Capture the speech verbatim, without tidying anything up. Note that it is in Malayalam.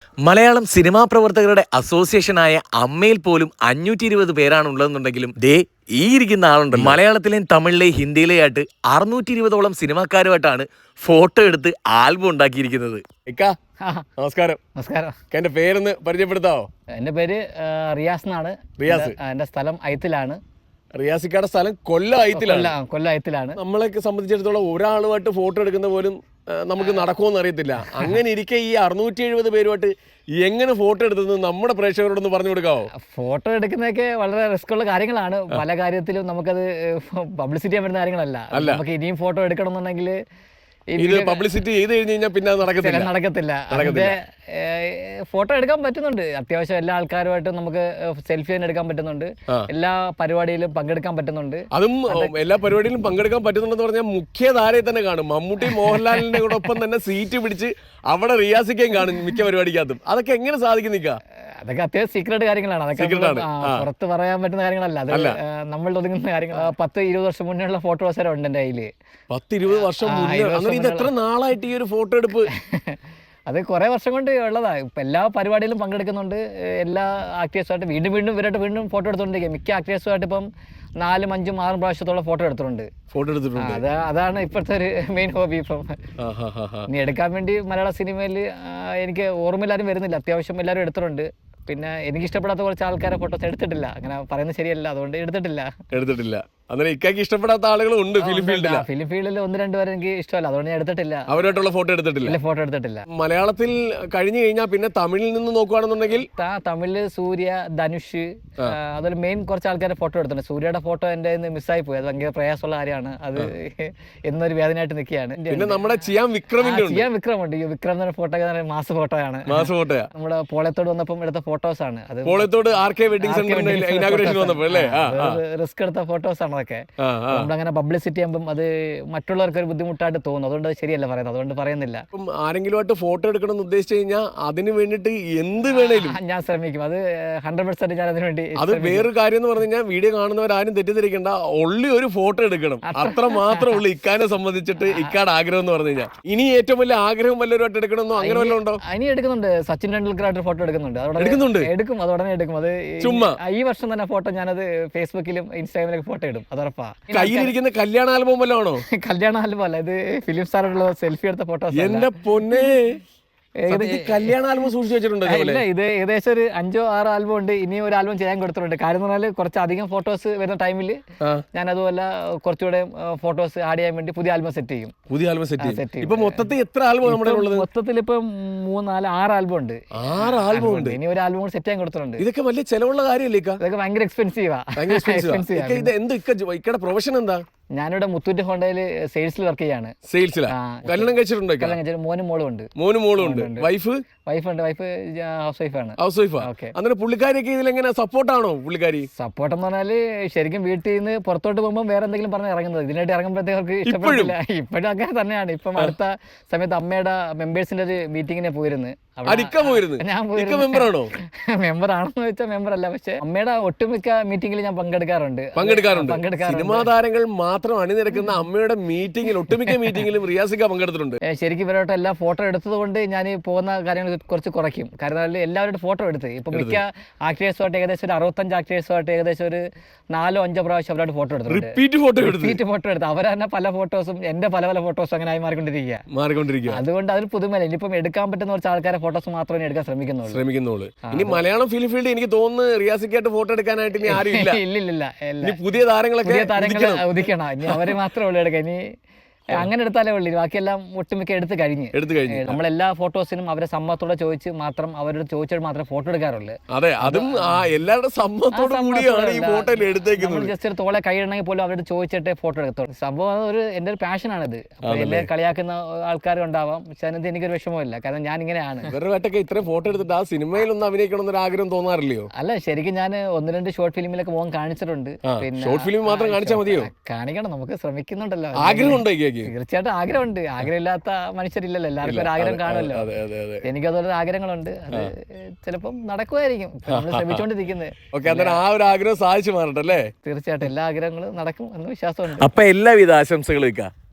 മലയാളം സിനിമാ പ്രവർത്തകരുടെ അസോസിയേഷനായ അമ്മയിൽ പോലും അഞ്ഞൂറ്റി ഇരുപത് പേരാണ് ഉള്ളതെന്നുണ്ടെങ്കിലും ദേ ഈ ഇരിക്കുന്ന ആളുണ്ട് മലയാളത്തിലെയും തമിഴിലെയും ഹിന്ദിയിലെയും ആയിട്ട് അറുന്നൂറ്റി ഇരുപതോളം സിനിമാക്കാരുമായിട്ടാണ് ഫോട്ടോ എടുത്ത് ആൽബം ഉണ്ടാക്കിയിരിക്കുന്നത്. നമസ്കാരം. നമസ്കാരം. എന്റെ പേരൊന്ന് പരിചയപ്പെടുത്താവോ? എന്റെ പേര് റിയാസ് എന്നാണ്. റിയാസ്. എന്റെ സ്ഥലം ഐത്തിലാണ്. റിയാസിക്കാടെ സ്ഥലം കൊല്ലം ഐത്തിലാണ്. കൊല്ലം ഐത്തിലാണ്. നമ്മളെ സംബന്ധിച്ചിടത്തോളം ഒരാളുമായിട്ട് ഫോട്ടോ എടുക്കുന്ന പോലും നമുക്ക് നടക്കുമെന്ന് അറിയത്തില്ല. അങ്ങനെ ഇരിക്കെ ഈ അറുന്നൂറ്റി എഴുപത് പേരുമായിട്ട് എങ്ങനെ ഫോട്ടോ എടുത്തത് നമ്മുടെ പ്രേക്ഷകരോടൊന്ന് പറഞ്ഞു കൊടുക്കാവോ? ഫോട്ടോ എടുക്കുന്നതൊക്കെ വളരെ റിസ്ക് ഉള്ള കാര്യങ്ങളാണ്. പല കാര്യത്തിലും നമുക്കത് പബ്ലിസിറ്റി ചെയ്യാൻ പറ്റുന്ന കാര്യങ്ങളല്ല. നമുക്ക് ഇനിയും ഫോട്ടോ എടുക്കണം എന്നുണ്ടെങ്കിൽ ഇത് പബ്ലിസിറ്റി ചെയ്ത് കഴിഞ്ഞ് കഴിഞ്ഞാൽ പിന്നെ നടക്കത്തില്ല നടക്കത്തില്ല അതിന്റെ ഫോട്ടോ എടുക്കാൻ പറ്റുന്നുണ്ട്. അത്യാവശ്യം എല്ലാ ആൾക്കാരുമായിട്ടും നമുക്ക് സെൽഫി തന്നെ എടുക്കാൻ പറ്റുന്നുണ്ട്. എല്ലാ പരിപാടിയിലും പങ്കെടുക്കാൻ പറ്റുന്നുണ്ട്. അതും എല്ലാ പരിപാടിയിലും പങ്കെടുക്കാൻ പറ്റുന്നുണ്ടെന്ന് പറഞ്ഞാൽ മുഖ്യധാരയിൽ തന്നെ കാണും. മമ്മൂട്ടി മോഹൻലാലിന്റെ ഒപ്പം തന്നെ സീറ്റ് പിടിച്ച് അവിടെ റിയാസിക്കുകയും കാണും മിക്ക പരിപാടിക്കകത്തും. അതൊക്കെ എങ്ങനെ സാധിക്കും നിൽക്കുക? അതൊക്കെ അത്യാവശ്യം സീക്രട്ട് കാര്യങ്ങളാണ്. അതൊക്കെ പുറത്ത് പറയാൻ പറ്റുന്ന കാര്യങ്ങളല്ല. അത് നമ്മൾ ഒതുങ്ങുന്ന കാര്യങ്ങൾ. പത്ത് ഇരുപത് വർഷം മുന്നേ ഉള്ള ഫോട്ടോസ് വരെ ഉണ്ട് എന്റെ കയ്യില്. പത്ത് ഇരുപത് വർഷം ഇത് എത്ര നാളായിട്ട് ഈ ഒരു ഫോട്ടോ എടുപ്പ്? അത് കുറെ വർഷം കൊണ്ട് ഉള്ളതാ. ഇപ്പൊ എല്ലാ പരിപാടിയിലും പങ്കെടുക്കുന്നുണ്ട്. എല്ലാ ആക്ടേഴ്സുമായിട്ട് വീണ്ടും വീണ്ടും ഇവരായിട്ട് വീണ്ടും ഫോട്ടോ എടുത്തോണ്ടിരിക്കുക. മിക്ക ആക്ടേഴ്സുമായിട്ട് ഇപ്പം നാലും അഞ്ചും ആറും പ്രാവശ്യത്തോളം ഫോട്ടോ എടുത്തിട്ടുണ്ട്. ഫോട്ടോ എടുത്തിട്ടുണ്ട്. അതാ അതാണ് ഇപ്പോഴത്തെ ഒരു മെയിൻ ഹോബി. ഇപ്പം ഇനി എടുക്കാൻ വേണ്ടി മലയാള സിനിമയിൽ എനിക്ക് ഓർമ്മയില്ലാരും വരുന്നില്ല. അത്യാവശ്യം എല്ലാവരും എടുത്തിട്ടുണ്ട്. പിന്നെ എനിക്ക് ഇഷ്ടപ്പെടാത്ത കുറച്ച് ആൾക്കാരെ ഫോട്ടോസ് എടുത്തിട്ടില്ല. അങ്ങനെ പറയുന്നത് ശരിയല്ല, അതുകൊണ്ട് എടുത്തിട്ടില്ല എടുത്തിട്ടില്ല അങ്ങനെ ഇക്കാക്ക് ഇഷ്ടപ്പെടാത്ത ആളുകളും ഉണ്ട് ഫിലിം ഫീൽഡിൽ. ഫിലിം ഫീൽഡിൽ ഒന്ന് രണ്ടുപേരെ എനിക്ക് ഇഷ്ടമല്ല, അതുകൊണ്ട് ഞാൻ എടുത്തിട്ടില്ല. അവരായിട്ടുള്ള ഫോട്ടോ എടുത്തിട്ടില്ല ഫോട്ടോ എടുത്തിട്ടില്ല. മലയാളത്തിൽ കഴിഞ്ഞു കഴിഞ്ഞാൽ പിന്നെ തമിഴിൽ നിന്ന് നോക്കുകയാണെന്നുണ്ടെങ്കിൽ തമിഴില് സൂര്യ, ധനുഷ്, അതുപോലെ മെയിൻ കുറച്ച് ആൾക്കാരെ ഫോട്ടോ എടുത്തിട്ടുണ്ട്. സൂര്യയുടെ ഫോട്ടോ എന്റെ മിസ്സായി പോയി. അത് ഭയങ്കര പ്രയാസമുള്ള കാര്യമാണ്. അത് എന്നൊരു വേദനയായിട്ട് നിൽക്കുകയാണ്. പിന്നെ നമ്മുടെ ചിയാൻ വിക്രമിന്റെ ചിയാൻ വിക്രം ഉണ്ട്. വിക്രം എന്ന ഫോട്ടോ മാസ ഫോട്ടോയാണ്. മാസ ഫോട്ടോയാ നമ്മുടെ പോളത്തോട് വന്നപ്പം എടുത്ത ഫോട്ടോസ് ആണ്. അത് പോളത്തോട് ആർ കെ വെഡിങ് സെന്ററിന്റെ ഇനാഗുറേഷൻ വന്നപ്പോൾ അല്ലേ റിസ്ക് എടുത്ത ഫോട്ടോസ് ആണ് അതൊക്കെ. നമ്മളങ്ങനെ പബ്ലിസിറ്റി ചെയ്യുമ്പോൾ അത് മറ്റുള്ളവർക്ക് ഒരു ബുദ്ധിമുട്ടായിട്ട് തോന്നുന്നു. അതുകൊണ്ട് ശരിയല്ല പറയുന്നത്, അതുകൊണ്ട് പറയുന്നില്ല. ആരെങ്കിലും ഫോട്ടോ എടുക്കണം എന്ന് ഉദ്ദേശിച്ചു കഴിഞ്ഞാൽ അതിന് വേണ്ടിട്ട് എന്ത് വേണേലും ഞാൻ ശ്രമിക്കും. അത് ഹൺഡ്രഡ് പെർസെന്റ് ഞാൻ അതിന് വേണ്ടി. അത് വേറൊരു കാര്യം എന്ന് പറഞ്ഞു കഴിഞ്ഞാൽ വീഡിയോ കാണുന്നവരാരും തെറ്റിദ്ധരിക്കേണ്ട, ഒള്ളി ഒരു ഫോട്ടോ എടുക്കണം, അത്ര മാത്രമേ ഉള്ളൂ ഇക്കാനെ സംബന്ധിച്ചിട്ട്. ഇക്കാട് ആഗ്രഹം എന്ന് പറഞ്ഞു കഴിഞ്ഞാൽ ഇനി ഏറ്റവും വലിയ ആഗ്രഹം വല്ലവരുമായിട്ട് എടുക്കണമെന്നോ അങ്ങനെ വല്ലതും ഉണ്ടോ? ഇനി എടുക്കുന്നുണ്ട്. സച്ചിൻ ടെണ്ടുൽക്കറായിട്ട് ഫോട്ടോ എടുക്കുന്നുണ്ട്. എടുക്കുന്നുണ്ട് എടുക്കും അത് ഉടനെ എടുക്കും. അത് ചുമ്മാ ഈ വർഷം തന്നെ ഫോട്ടോ ഞാനത് ഫേസ്ബുക്കിലും ഇൻസ്റ്റാഗ്രാമിലൊക്കെ ഫോട്ടോ ഇടും. അത് ഉറപ്പാ. കയ്യിലിരിക്കുന്ന കല്യാണ ആൽബം വല്ലോ ആണോ? കല്യാണ ആൽബം അല്ല, ഇത് ഫിലിം സ്റ്റാറുള്ള സെൽഫി എടുത്ത ഫോട്ടോസ്. എന്റെ പൊന്നേ, കല്യാണ ആൽബം സൂക്ഷിച്ചു വെച്ചിട്ടുണ്ട്. ഇത് ഏകദേശം ഒരു അഞ്ചോ ആറോ ആൽബം ഉണ്ട്. ഇനി ഒരു ആൽബം ചെയ്യാൻ കൊടുത്തിട്ടുണ്ട്. കാര്യം എന്ന് പറഞ്ഞാൽ കുറച്ച് അധികം ഫോട്ടോസ് വരുന്ന ടൈമിൽ ഞാൻ അതുപോലെ കുറച്ചുകൂടെ ഫോട്ടോസ് ആഡ് ചെയ്യാൻ വേണ്ടി പുതിയ ആൽബം സെറ്റ് ചെയ്യും. പുതിയ ആൽബം സെറ്റ് ചെയ്യും. ഇപ്പൊ മൊത്തത്തിൽ എത്ര ആൽബം നമ്മുടെ ഉള്ളത്? മൊത്തത്തിൽ ഇപ്പൊ മൂന്നാല് ആറ് ആൽബം ഉണ്ട്. ആറ് ആൽബം ഉണ്ട്. ഇനി ഒരു ആൽബം കൂടെ സെറ്റ് ചെയ്യാൻ കൊടുത്തിട്ടുണ്ട്. ഇതൊക്കെ വലിയ ചെലവുള്ള കാര്യമല്ലേ? ഇതൊക്കെ ഭയങ്കര എക്സ്പെൻസീവാ. ഇക്കടെ പ്രൊഫഷൻ എന്താ? ഞാനിവിടെ മുത്തൂറ്റ് ഹോണ്ടയിൽ സെയിൽസിൽ വർക്ക് ചെയ്യാണ്. സെയിൽസിലാ? കല്യാണം കഴിച്ചിട്ടുണ്ടോ? കല്യാണം കഴിച്ചിട്ട് മോനും മോളും ഉണ്ട്. മോനും മോളും ഉണ്ട്. വൈഫ്? വൈഫ് ഉണ്ട്. വൈഫ് ഹൗസ് വൈഫാണ്. ഹൗസ് വൈഫാ. അങ്ങനെ പുള്ളിക്കാരിയൊക്കെ ഇതിലെങ്ങനെ സപ്പോർട്ടാണോ? പുള്ളിക്കാരി സപ്പോർട്ട് എന്ന് പറഞ്ഞാല് ശരിക്കും വീട്ടിൽ നിന്ന് പുറത്തോട്ട് പോകുമ്പോൾ വേറെ എന്തെങ്കിലും പറഞ്ഞ് ഇറങ്ങുന്നത്. ഇതിനായിട്ട് ഇറങ്ങുമ്പോഴത്തേക്ക് ഇഷ്ടപ്പെടില്ല. ഇപ്പോഴും അങ്ങനെ തന്നെയാണ്. ഇപ്പം അടുത്ത സമയത്ത് അമ്മയുടെ മെമ്പേഴ്സിന്റെ ഒരു മീറ്റിങ്ങിനെ പോയിരുന്നു. ഞാൻ മെമ്പറാണോ? മെമ്പർ ആണെന്ന് വെച്ചാൽ മെമ്പർ അല്ല, പക്ഷെ അമ്മയുടെ ഒട്ടുമിക്ക മീറ്റിംഗിൽ ഞാൻ പങ്കെടുക്കാറുണ്ട് പങ്കെടുക്കാറുണ്ട് സിനിമാ താരങ്ങൾ മാത്രം അണിനിരക്കുന്ന അമ്മയുടെ മീറ്റിംഗിൽ ഒട്ടുമിക്ക മീറ്റിംഗിലും റിയാസിക്ക പങ്കെടുത്തിട്ടുണ്ട്. ശരിക്കും ഇവരോട്ട് എല്ലാ ഫോട്ടോ എടുത്തത് കൊണ്ട് ഞാൻ പോകുന്ന കാര്യങ്ങൾ കുറച്ച് കുറയ്ക്കും. കാരണം എല്ലാവരുടെ ഫോട്ടോ എടുത്ത് ഇപ്പൊ മിക്ക ആക്ടേഴ്സുമായിട്ട് ഏകദേശം ഒരു അറുപത്തഞ്ച് ആക്ടേഴ്സുമായിട്ട് ഏകദേശം ഒരു നാലോ അഞ്ചോ പ്രാവശ്യം അവരോട് ഫോട്ടോ എടുത്തു. റിപ്പീറ്റ് ഫോട്ടോ റിപ്പീറ്റ് ഫോട്ടോ എടുത്ത് അവർ തന്നെ പല ഫോട്ടോസും എന്റെ പല പല ഫോട്ടോസും അങ്ങനെ ആയി മാറിക്കൊണ്ടിരിക്കുക മാറിക്കൊണ്ടിരിക്കുക അതുകൊണ്ട് അതിന് പുതുമല്ല. ഇനിയിപ്പം എടുക്കാൻ പറ്റുന്ന കുറച്ച് ആൾക്കാരെ ഫോട്ടോസ് മാത്രമേ എടുക്കാൻ ശ്രമിക്കുന്നുള്ളൂ ശ്രമിക്കുന്നുള്ളൂ ഇനി മലയാളം ഫിലിം ഫീൽഡ് എനിക്ക് തോന്നുന്നു റിയാസിക്കായിട്ട് ഫോട്ടോ എടുക്കാനായിട്ട് ഇനി ആരും ഇല്ല. ഇല്ലില്ല. പുതിയ താരങ്ങളൊക്കെ പുതിയ താരങ്ങളെ ഉദിക്കണം. ഇനി അവരെ മാത്രമേ ഉള്ളൂ എടുക്കാൻ. ഇനി അങ്ങനെ എടുത്താലേ ഉള്ളൂ. ബാക്കിയെല്ലാം ഒട്ടുമിക്ക എടുത്ത് കഴിഞ്ഞ് എടുത്തു കഴിഞ്ഞു നമ്മളെല്ലാ ഫോട്ടോസിനും അവരെ സമ്മതത്തോടെ ചോദിച്ച് മാത്രം അവരോട് ചോദിച്ചിട്ട് മാത്രമേ ഫോട്ടോ എടുക്കാറുള്ളൂ. അതെ, അതും എല്ലാവരുടെ സമ്മതത്തോടെ കൂടിയാണ് ഈ ഫോട്ടോ എടുത്തേക്കുന്നത്. ജസ്റ്റ് ഒരു തോളെ കൈയിടണമെങ്കിൽ പോലും അവരോട് ചോദിച്ചിട്ടേ ഫോട്ടോ എടുത്തോളൂ. സംഭവം ഒരു എൻ്റെ ഒരു പാഷനാണിത്. എല്ലാം കളിയാക്കുന്ന ആൾക്കാരും ഉണ്ടാവാം, പക്ഷെ അതിനകത്ത് എനിക്കൊരു വിഷമമില്ല. കാരണം ഞാൻ ഇങ്ങനെയാണ്. ഇവരുമായിട്ടൊക്കെ ഇത്രയും ഫോട്ടോ എടുത്തിട്ട് ആ സിനിമയിലൊന്നും അഭിനയിക്കണം എന്നൊരു ആഗ്രഹം തോന്നാറില്ലയോ? അല്ല, ശരിക്കും ഞാൻ ഒന്ന് രണ്ട് ഷോർട്ട് ഫിലിമിലൊക്കെ പോകാൻ കാണിച്ചിട്ടുണ്ട്. പിന്നെ ഷോർട്ട് ഫിലിം മാത്രം കാണിച്ചാൽ മതിയോ? കാണിക്കണം, നമുക്ക് ശ്രമിക്കുന്നുണ്ടല്ലോ. ആഗ്രഹം ഉണ്ടോ? തീർച്ചയായിട്ടും ആഗ്രഹമുണ്ട്. ആഗ്രഹമില്ലാത്ത മനുഷ്യരില്ലല്ലോ, എല്ലാവർക്കും ഒരു ആഗ്രഹം കാണുമല്ലോ. എനിക്കതുപോലെ ആഗ്രഹങ്ങളുണ്ട്. അത് ചിലപ്പം നടക്കുമായിരിക്കും, നമ്മൾ ശ്രമിച്ചുകൊണ്ടിരിക്കുന്നത്. ആ ഒരു ആഗ്രഹം സാധിച്ചു മാറട്ടെ അല്ലേ? തീർച്ചയായിട്ടും എല്ലാ ആഗ്രഹങ്ങളും നടക്കും എന്ന് വിശ്വാസമുണ്ട്. അപ്പൊ എല്ലാവിധ ആശംസകളും.